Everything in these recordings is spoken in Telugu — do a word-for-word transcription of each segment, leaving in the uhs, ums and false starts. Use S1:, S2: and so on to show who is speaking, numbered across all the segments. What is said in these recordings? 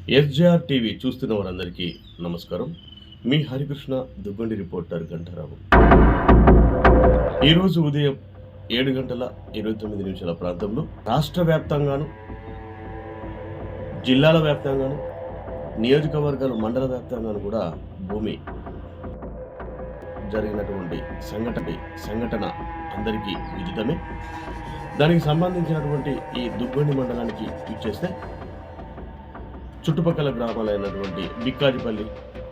S1: ఎస్జేఆర్ టీవీ చూస్తున్న వారందరికీ నమస్కారం. మీ హరికృష్ణ దుగ్గండి రిపోర్టర్ గంటారావు. ఈరోజు ఉదయం ఏడు గంటల ఇరవై తొమ్మిది నిమిషాల ప్రాంతంలో రాష్ట్ర వ్యాప్తంగాను, జిల్లాల వ్యాప్తంగాను, నియోజకవర్గాలు, మండల వ్యాప్తంగాను కూడా భూమి జరిగినటువంటి సంఘటన సంఘటన అందరికీ విదితమే. దానికి సంబంధించినటువంటి ఈ దుగ్గండి మండలానికి ఇచ్చేస్తే చుట్టుపక్కల గ్రామాలైనటువంటి బిక్కాజిపల్లి,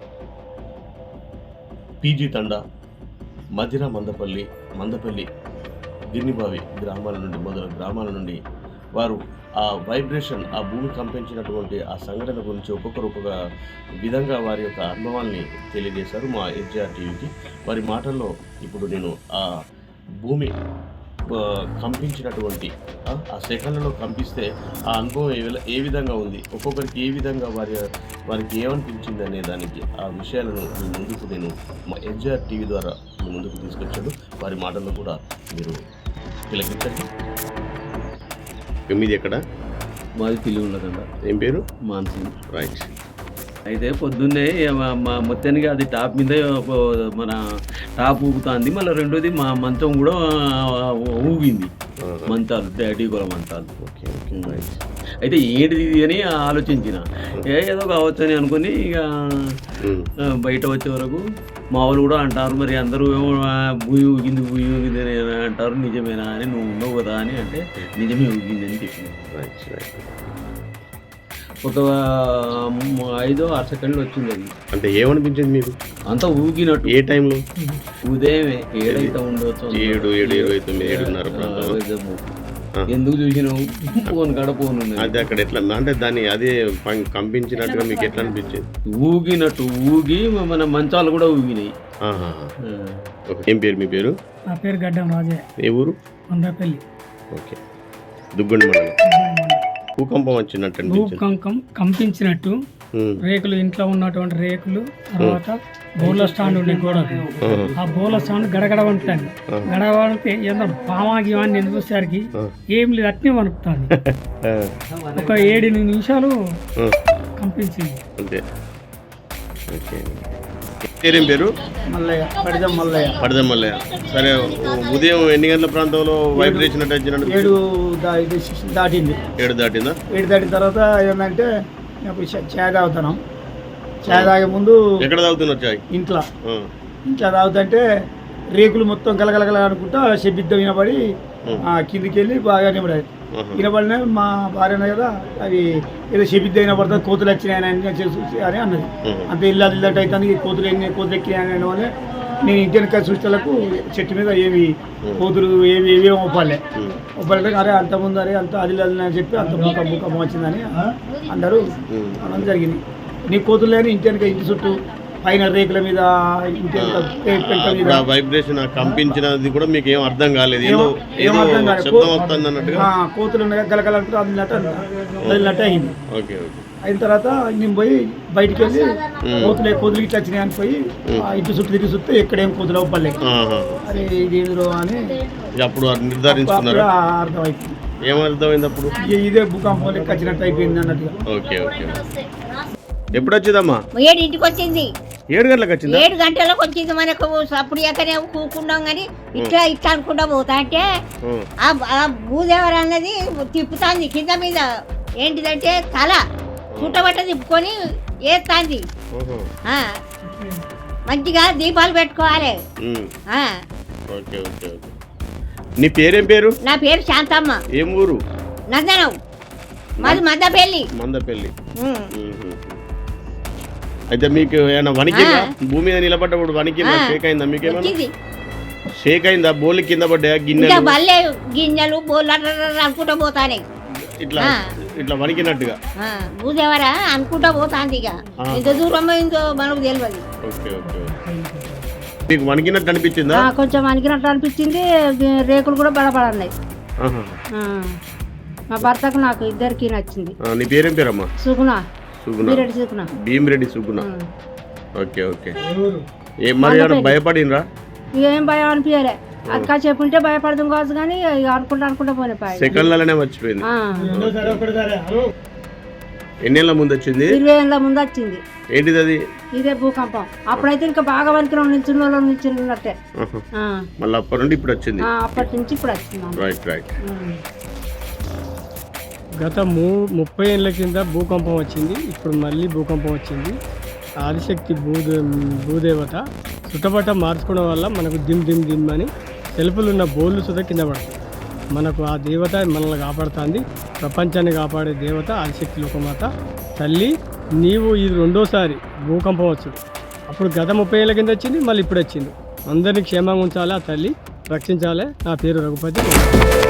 S1: పీజీ తండా, మధిర, మందపల్లి, మందపల్లి, గిర్నిబావి గ్రామాల నుండి మొదలు గ్రామాల నుండి వారు ఆ వైబ్రేషన్, ఆ భూమి కంపించినటువంటి ఆ సంఘటన గురించి ఒక్కొక్కరు ఒక్కొక్క విధంగా వారి యొక్క అనుభవాల్ని తెలియజేశారు మా ఎస్జేఆర్ టీవీకి. వారి మాటల్లో ఇప్పుడు నేను ఆ భూమి కంపించినటువంటి ఆ సెకండ్లలో కంపిస్తే ఆ అనుభవం ఏ ఏ విధంగా ఉంది, ఒక్కొక్కరికి ఏ విధంగా వారి వారికి ఏమనిపించింది అనే దానికి ఆ విషయాలను మీ ముందుకు నేను మా ఎస్జేఆర్ టీవీ ద్వారా మీ ముందుకు తీసుకొచ్చాను. వారి మాటల్లో కూడా మీరు తిలకించండి. మీది ఎక్కడ?
S2: మాది పిల్లి ఉన్నదంట.
S1: ఏం పేరు?
S2: మాన్సింగ్.
S1: రైట్.
S2: అయితే పొద్దున్నే మా మొత్తానికి అది టాప్ మీద మన టాప్ ఊగుతుంది. మళ్ళీ రెండోది మా మంచం కూడా ఊగింది, మంచాలు, డాడీ కూడా మంచాలు.
S1: Okay okay right.
S2: అయితే ఏంటిది అని ఆలోచించిన, ఏ ఏదో కావచ్చు అని అనుకుని ఇక బయట వచ్చే వరకు మా వాళ్ళు కూడా అంటారు, మరి అందరూ ఏమో భూమి ఊగింది భూమి ఊగింది అని అంటారు, నిజమేనా అని, నువ్వు ఉన్నావు కదా అని అంటే నిజమే ఊగింది అని చెప్పిన.
S1: Right right.
S2: ఒక ఐదో ఆరు సెకండ్లు వచ్చింది అది.
S1: అంటే ఏమనిపించింది మీకు?
S2: అంతా ఊగినట్టు.
S1: ఏ టైంలో?
S2: ఉదయమే ఏడైతే ఉండవచ్చు,
S1: ఏడు ఏడు ఇరవై తొమ్మిది ఏడున్నర.
S2: ఎందుకు చూసినావు? ఫోన్ కాడ ఫోన్ ఉంది.
S1: అది అక్కడ ఎట్లా అంటే దాన్ని అదే కంపించినట్టుగా మీకు ఎట్లా అనిపించింది?
S2: ఊగినట్టు ఊగి మన మంచాలు కూడా ఊగినాయి.
S1: ఏం పేరు మీ పేరు?
S3: నా పేరు గడ్డం రాజే.
S1: ఏ ఊరు?
S3: మందపల్లి.
S1: ఓకే. దుగ్గండి మండలం. భూకంపం వచ్చినట్టు
S3: భూకంపం కంపించినట్టు రేకులు, ఇంట్లో ఉన్నటువంటి రేకులు, తర్వాత బోర్ల స్టాండ్ ఉండే గోడకు, ఆ బోర్ల స్టాండ్ గడగడ వణుకుతాను. గడగడ వణికితే ఏదో పామాగి అని నేను చూసేసరికి ఏం లేదు, అట్నే వణుకుతాను. ఒక ఏడు నిమిషాలు కంపించింది.
S1: అంతే. పేరేం పేరు?
S3: మల్లయ్య. పడిదం మల్లయ్య.
S1: పడిదం మల్లయ్య. సరే, ఉదయం ఎన్ని గంటల ప్రాంతంలో వైబ్రేషన్ అంటే
S3: ఏడు దాటింది.
S1: ఏడు దాటిందా?
S3: ఏడు దాటిన తర్వాత ఏంటంటే చాయ్ తాగుతున్నాం. చాయ్ తాగే ముందు
S1: ఎక్కడ తాగుతున్నారు చాయ్?
S3: ఇంట్లో. ఇంట్లో తాగుతుంటే రేకులు మొత్తం గలగలగల అనుకుంటా శబ్దం వినబడి కిందికి వెళ్ళి బాగా వినబడాయి. వినబడినా మా భార్య కదా, అవి ఏదో శబ్దం వినబడుతుంది, కోతులు వచ్చినాయని అని అన్నది. అంతే ఇల్లు ఇల్లట్ అవుతాను, కోతులు ఎన్ని కోతులు ఎక్కినాయని వల్ల నేను ఇంటి వెనక చూసేలకు చెట్టు మీద ఏమి కోతులు ఏవి ఏవేమి ఒప్పాలే ఒప్పాలంటే అరే అంత ముందు అరే అంత అది అని చెప్పి అంత బుక్క బుక్కం వచ్చిందని అందరూ అనడం జరిగింది. నీ కోతులు లేని ఇంటి వెనక, ఇంటి చుట్టూ, పైన రేకుల మీద, ఇంటి
S1: మీద వైబ్రేషన్ కంపించినది కూడా మీకు ఏం అర్థం కాలేదు?
S3: ఏం అర్థం కాలేదు. కోతులు ఉన్నాయి గలగలంటే అదినట్టు అదినట్టు అయింది.
S1: Okay okay.
S3: అయిన తర్వాత నేను పోయి బయటికి వెళ్ళి కోతులు కోతులు ఇట్లా వచ్చినాయి అని పోయి ఇంటి చుట్టూ తిరిగి చూస్తే ఎక్కడేం కోతులు అవ్వలేదు. అరే ఇది ఏదో అని
S1: అప్పుడు నిర్ధారించుకున్నారు.
S3: అర్థమైంది.
S1: ఏమర్థమైంది అప్పుడు?
S3: ఇదే భూకంపం లెక్క వచ్చినట్టు అయిపోయింది అన్నట్టుగా.
S1: Okay okay. ఎప్పుడు వచ్చిందమ్మా?
S4: ఏడింటికి వచ్చింది.
S1: ఏడు గంటలకు వచ్చింది.
S4: ఏడు గంటలకు వచ్చింది. మనకు అప్పుడు ఎక్కడే కూకున్నాం కానీ ఇట్లా ఇట్లా అనుకుంటా పోతా అంటే ఆ భూదేవర అన్నది తిప్పుతాంది కింద మీద. ఏంటిదంటే తల చుట్టబట్ట తిప్పుకొని వేస్తాంది. మంచిగా దీపాలు పెట్టుకోవాలి.
S1: నీ పేరేం పేరు?
S4: నా పేరు శాంతమ్మ.
S1: ఏం ఊరు?
S4: నందనం. మాది మందపల్లి.
S1: మందపల్లి. అయితే మీకు ఏమైనా వణికిందా? భూమి మీద నిలబడ్డప్పుడు వణికిందా? షేక్ అయిందా? మీకేమన్నా షేక్ అయిందా? బోళ్ళు కింద పడ్డా? గిన్నెలు
S4: బల్లే గిన్నెలు బోళ్ళు అనుకుంటా పోతానే
S1: ఇట్లా ఇట్లా వణికినట్టుగా.
S4: భూదేవరా అనుకుంటా పోతాంది. ఇక ఎంత దూరం పోయిందో మనకు తెలియదు.
S1: Okay okay. మీకు వణికినట్టు అనిపించిందా?
S4: కొంచెం వణికినట్టు అనిపించింది. రేకులు కూడా బలపడన్నాయి. మా భర్తకు నాకు ఇద్దరికి నచ్చింది.
S1: నీ పేరేం పేరమ్మా?
S4: సుగుణ.
S1: భీమిరెడ్డి సుగుణ. Okay okay. ఏం మరి భయపడినరా?
S4: ఏం భయం అనిపించలే. అది కాసేపు ఉంటే భయపడదాం కావచ్చు కానీ అనుకుంటా అనుకుంటా పోయిన
S1: సెకండ్లనే మర్చిపోయింది. ఎన్నేళ్ళ ముందు వచ్చింది?
S5: ఇరవై ఏళ్ళ ముందు వచ్చింది.
S1: ఏంటిది అది?
S5: ఇదే భూకంపం. అప్పుడైతే ఇంకా బాగా వరకు నిల్చున్న వాళ్ళు నిల్చున్నట్టే.
S1: మళ్ళీ అప్పటి నుండి ఇప్పుడు వచ్చింది.
S5: అప్పటి నుంచి ఇప్పుడు వచ్చింది.
S1: Right right.
S6: గత మూ ముప్పై ఏళ్ళ కింద భూకంపం వచ్చింది. ఇప్పుడు మళ్ళీ భూకంపం వచ్చింది. ఆదిశక్తి భూదే భూదేవత చుట్టబట్ట మార్చుకోవడం వల్ల మనకు దిమ్ దిమ్ దిమ్ అని సెల్ఫులున్న బోళ్ళు సుధా కింద పడతాయి. మనకు ఆ దేవత మనల్ని కాపాడుతుంది. ప్రపంచాన్ని కాపాడే దేవత ఆదిశక్తి లోకమాత తల్లి. నీవు ఇది రెండోసారి భూకంపం వచ్చింది. అప్పుడు గత ముప్పై ఏళ్ళ కింద వచ్చింది, మళ్ళీ ఇప్పుడు వచ్చింది. అందరినీ క్షేమంగా ఉంచాలి, ఆ తల్లి రక్షించాలి. నా పేరు రఘుపతి.